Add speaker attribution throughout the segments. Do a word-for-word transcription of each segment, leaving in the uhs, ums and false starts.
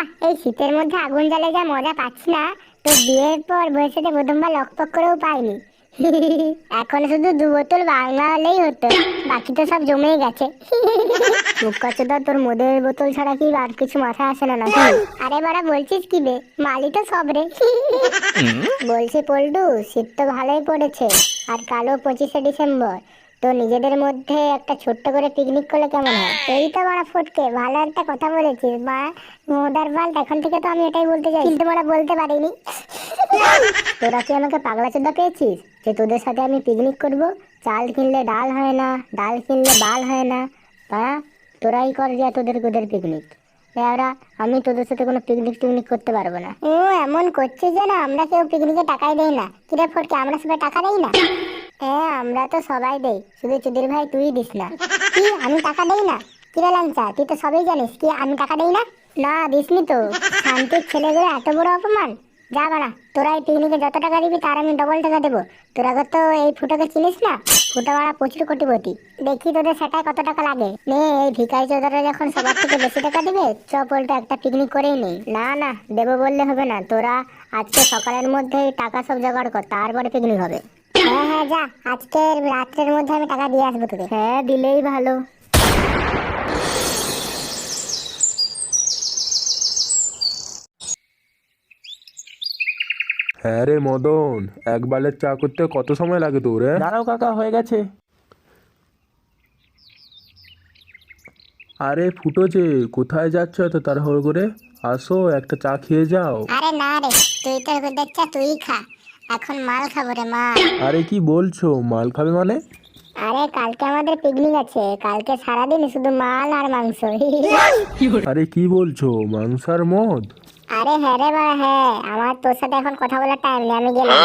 Speaker 1: এই শীতের মধ্যে আগুন জ্বালে যা মজা পাচ্ছি না, তো বিয়ের পর বয়সে প্রথমবার লকপক করেও পাইনি। এখন শুধু দু বোতল বাংলা হলেই হতো, বাকি তো সব জমেই গেছে। মুখকচুদা, তোর মদের বোতল ছাড়া কি আর কিছু মাথায় আসে না নাকি? আরে বাড়া বলছিস কি বে, মালি তো সব রে। বলছি পল্টু, শীত তো ভালোই পড়েছে, আর কালো পঁচিশে ডিসেম্বর, তো নিজেদের মধ্যে একটা ছোট্ট করে পিকনিক করলে কেমন হয়? এই তো বাড়া ফটকে, ভালো একটা কথা বলেছিস বা মোদার বাল, এখন থেকে তো আমি এটাই বলতে চাই, কিন্তু বাড়া বলতে পারিনি। তোরা কি আমাকে পাগলা চোদা পেয়েছিস যে তোদের সাথে আমি পিকনিক করব? চাল কিনলে ডাল হয় না, ডাল কিনলে বাল হয় না, বা তোরাই কর যে তোদের তোদের পিকনিক। এরা আমি তোদের সাথে কোনো পিকনিক টিকনিক করতে পারবো না। ও এমন করছিস যে না আমরা কেউ পিকনিকে টাকাই দেই না? কিরে ফটকে, আমরা সবাই টাকা দেই না? হ্যাঁ আমরা তো সবাই দেই, শুধু চুদির ভাই তুই দিস না। কি আমি টাকা দেই না? কিরে ল্যাংচা, তুই তো সবই জানিস কি আমি টাকা দেই না? না দিসনি তো। শান্তির ছেলেগুলো এত বড় অপমান! যা বাড়া, তোরা এই পিকনিকে যত টাকা দিবি তার আমি ডবল টাকা দেবো। তোরা তো এই ফুটোকে চিনিস না? ফুটো বাড়া প্রচুর কোটিপতি, দেখি তোদের সেটাই কত টাকা লাগে। নে, এই ভিখারি চোদারা যখন সবার থেকে বেশি টাকা দিবে, চ পল্টু একটা পিকনিক করেই নেই। না না, দেবো বললে হবে না, তোরা আজকে সকালের মধ্যেই টাকা সব জোগাড় কর, তারপরে পিকনিক হবে। হ্যাঁ হ্যাঁ যা, আজকের রাত্রের মধ্যে আমি টাকা দিয়ে আসবো তোকে। হ্যাঁ দিলেই ভালো।
Speaker 2: হ্যাঁ রে মদন, এক বালের চা করতে কত সময় লাগে তোর? হ্যাঁ
Speaker 3: দাঁড়াও কাকা, হয়ে গেছে।
Speaker 2: আরে ফুটো যে, কোথায় যাচ্ছ এত তাড়াহুড়ো করে? আসো একটা চা খেয়ে যাও।
Speaker 1: আরে না রে, তুই তো দেখছা তুই খা, এখন মাল খাবো রে মাল।
Speaker 2: আরে কি বলছো, মাল খাবে মানে?
Speaker 1: আরে কালকে আমাদের পিকনিক আছে, কালকে সারাদিন শুধু মাল আর মাংস।
Speaker 2: আরে কি বলছো, মাংস আর মদ?
Speaker 1: আরে হ্যাঁ রে বাড়া হ্যাঁ, আমার তোর সাথে এখন কথা বলার টাইম নেই, আমি গেলাম।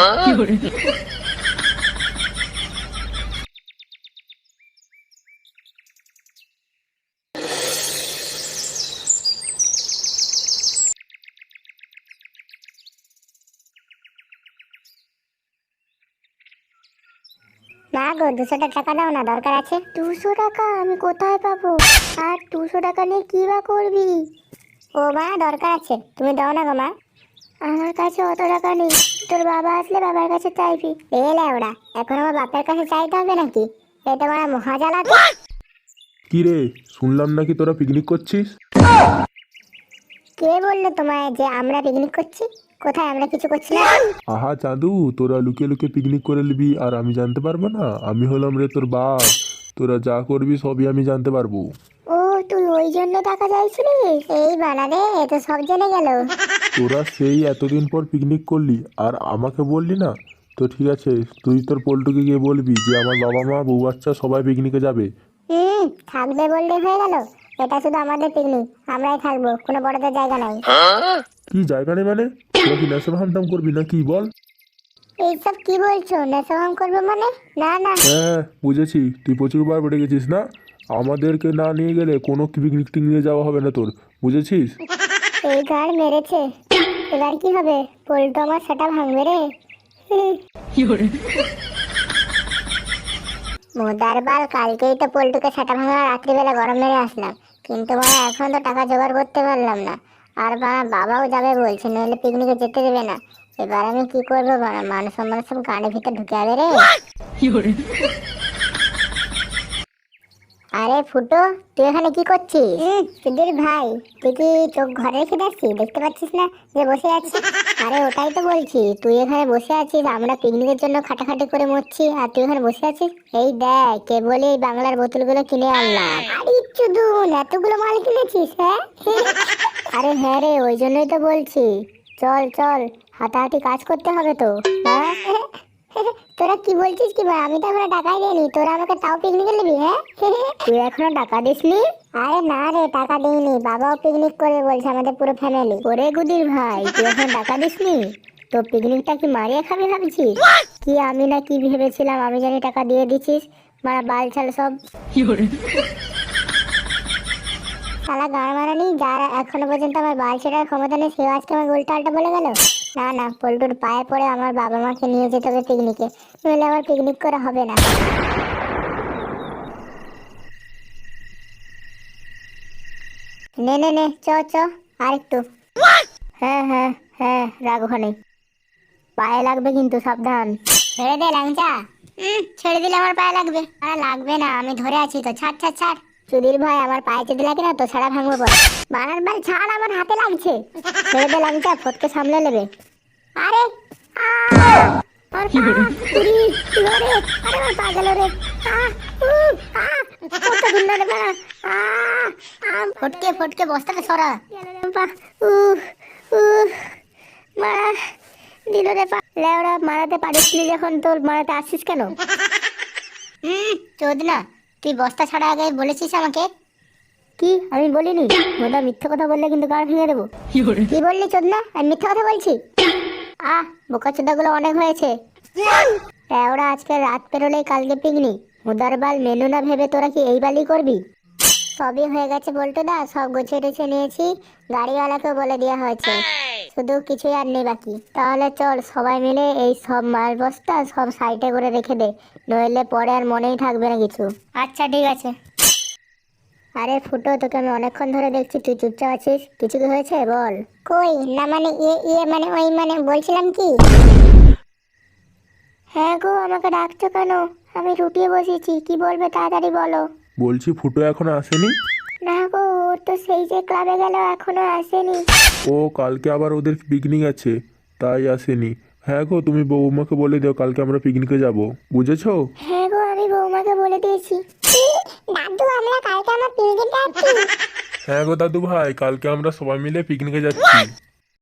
Speaker 1: না গো, দুশোটা টাকা দাও না, দরকার আছে। দুশো টাকা আমি কোথায় পাবো? আর দুশো টাকা নিয়ে কি বা করবি? ও মা, দরকার আছে, তুমি দাও না গো মা। আমার কাছে অত টাকা নেই, তোর বাবা আসলে বাবার কাছে চাইবি। এলে ওরা, এখন আমার বাপের কাছে চাইতে হবে নাকি? এটা আমার মহাজালা।
Speaker 2: কি রে, শুনলাম নাকি তোরা পিকনিক করছিস?
Speaker 1: কে বললো তোমায় যে আমরা পিকনিক করছি? কোথায়, আমরা কিছু করছি না।
Speaker 2: আহা চাঁদু, তোরা লুকিয়ে লুকিয়ে পিকনিক করে নিবি আর আমি জানতে পারবো না? আমি হলাম রে তোর বাপ, তোরা যা করবি সবই আমি জানতে পারবো।
Speaker 1: ও তুই ওই জন্য টাকা চাইছিলিস? এই বানারে, এ তো সব জেনে গেল।
Speaker 2: তোরা সেই এতদিন পর পিকনিক করলি আর আমাকে বললি না? তো ঠিক আছে, তুই তোর পল্টুকে গিয়ে বলবি যে আমার বাবা মা বউ বাচ্চা সবাই পিকনিকে যাবে।
Speaker 1: হুম, থাকবে বললে হয়ে গেল? এটা শুধু আমাদের পিকনিক, আমরাই থাকবো, কোনো বড়দের জায়গা নাই।
Speaker 2: কি জায়গা নেই মানে? তোরা কি নেশা ভাঙতাম করবি না কি বল?
Speaker 1: এইসব কি বলছো, নেশাভাং করবো মানে? না না।
Speaker 2: হ্যাঁ বুঝেছি, তুই প্রচুরবার বেড়ে গেছিস না? আমাদেরকে না নিয়ে গেলে কোনো পিকনিক টিকনিকে যাওয়া হবে না তোর, বুঝেছিস?
Speaker 1: এই গাড় মেরেছে, এবার কি হবে? পল্টু আমার সেটা ভাঙবে রে। মোদার বাল, কালকেই তো পল্টুকে সেটা ভাঙা রাত্রিবেলা গরম মেরে আসলাম, কিন্তু মানে এখন তো টাকা জোগাড় করতে পারলাম না। আর বাবা বাবাও যাবে বলছে, নইলে পিকনিকে যেতে দেবে না। এবার আমি কি করবো বাবা, মানুষ সম্মান সব গাড়ির ভিতরে ঢুকে যাবে রে। আরে ফুটো, তুই এখানে কি করছিস? সুধীর ভাই, তুই কি চোখ ঘরে রেখে যাচ্ছিস, দেখতে পাচ্ছিস না যে বসে আছিস? আরে ওটাই তো বলছি, তুই এখানে বসে আছিস, আমরা পিকনিকের জন্য খাটাখাটি করে মরছি আর তুই এখানে বসে আছিস। এই দেখ, কেবলই এই বাংলার বোতলগুলো কিনে আনলাম। আরে চুদুন, এতগুলো মাল কিনেছিস? হ্যাঁ আরে হ্যাঁ রে, ওই জন্যই তো বলছি, চল চল, হাতাহাতি কাজ করতে হবে তো। হ্যাঁ তোরা কি বলছিস কি ভাই, আমি তো এখনো টাকাই দিইনি, তোরা আমাকে তাও পিকনিকে নিবি? হ্যাঁ তুই এখনো টাকা দিসনি? আরে না রে, টাকা দিইনি, বাবাও পিকনিক করবে বলছে, আমাদের পুরো ফ্যামিলি। ওরে গুদির ভাই, তুই এখনো টাকা দিসনি? তো পিকনিকটা কি মারিয়ে খাবি ভাবছিস? কি আমি না কি ভেবেছিলাম, আমি জানি টাকা দিয়ে দিছিস, মারা বাল ছাল সব। শালা গান মারানি, যারা এখনো পর্যন্ত আমার বাল ছেড়ার ক্ষমতা নেই, সেও আজকে আমার উল্টা আল্টা বলে গেল। না না, পল্টুর পায়ে পড়ে আমার বাবা মাকে নিয়ে যেতে হবে পিকনিকে, নইলে আমার পিকনিক করা হবে না। নে নে নে, চ চ, আর একটু। হ্যাঁ হ্যাঁ হ্যাঁ, রাগ ওখানে, পায়ে লাগবে কিন্তু, সাবধান। ছেড়ে দে ল্যাংচা। হুম, ছেড়ে দিলে আমার পায়ে লাগবে। আরে লাগবে না, আমি ধরে আছি তো, ছাড় ছাড় ছাড়। সুধীর ভাই, আমার পায়ে যদি লাগে না তো ছাড়া ভাঙবো পরে। বানার ভাই ছাড়, আমার হাতে লাগছে। ছেড়ে দে ল্যাংচা, ফটকে সামলে নেবে। আরে আহ! আমার পা, উরি, লরে, আরে আমার পা গেল রে। আহ, উহ, আহ, কত ঘুরলো রে বাড়া। আহ, আহ, ফটকে ফটকে বস্তাটা সরা। গেল রে আমার পা, উহ, উহ, মারা দিল রে পা। লেওড়া, মারাতে পারিসনি যখন তোর মারাতে আসছিস কেন? হুম, চোদ না, তুই বস্তা ছাড়া আগে বলেছিস আমাকে। কি আমি বলিনি? মোদা মিথ্যে কথা বললে কিন্তু গাড় ভেঙে দেবো। কি বললি চোদ না, আমি মিথ্যে কথা বলছি? আহ, বোকা চোদাগুলো অনেক হয়েছে। ওরা আজকে রাত পেরোলেই কালকে পিকনিক। মুদার বাল, মেনু না ভেবে তোরা কি এই বালই করবি? সবই হয়ে গেছে বলতো দা, সব গুছিয়ে টুছিয়ে নিয়েছি, গাড়িওয়ালাকেও বলে দেওয়া হয়েছে, শুধু কিছুই আর নেই বাকি। তাহলে চল সবাই মিলে এই সব মাল বস্তা সব সাইডে করে রেখে দে, নইলে পরে আর মনেই থাকবে না কিছু। আচ্ছা ঠিক আছে। আরে ফুটো, তোকে আমি অনেকক্ষণ ধরে দেখছি, তুই চুপচাপ আছিস, কিছু কি হয়েছে বল। কই না, মানে ইয়ে ইয়ে মানে ওই মানে বলছিলাম কি। হ্যাঁ গো, আমাকে ডাকছো কেন? আমি রুটিয়ে বসেছি, কি বলবে তাড়াতাড়ি বলো।
Speaker 2: বলছি ফুটো এখনো আসেনি?
Speaker 1: না গো, ও তো সেই যে ক্লাবে গেল, এখনো আসেনি।
Speaker 2: ও কালকে আবার ওদের পিকনিক আছে, তাই আসেনি। হ্যাঁ গো, তুমি বৌমাকে বলে দিও কালকে আমরা পিকনিকে যাব, বুঝেছো?
Speaker 1: হ্যাঁ গো, আমি বৌমাকে বলে দিয়েছি। দাদু, আমরা কালকে আমার পিকনিকে যাচ্ছি।
Speaker 2: হ্যাঁ গো দাদু ভাই, কালকে আমরা সবাই মিলে পিকনিকে যাচ্ছি।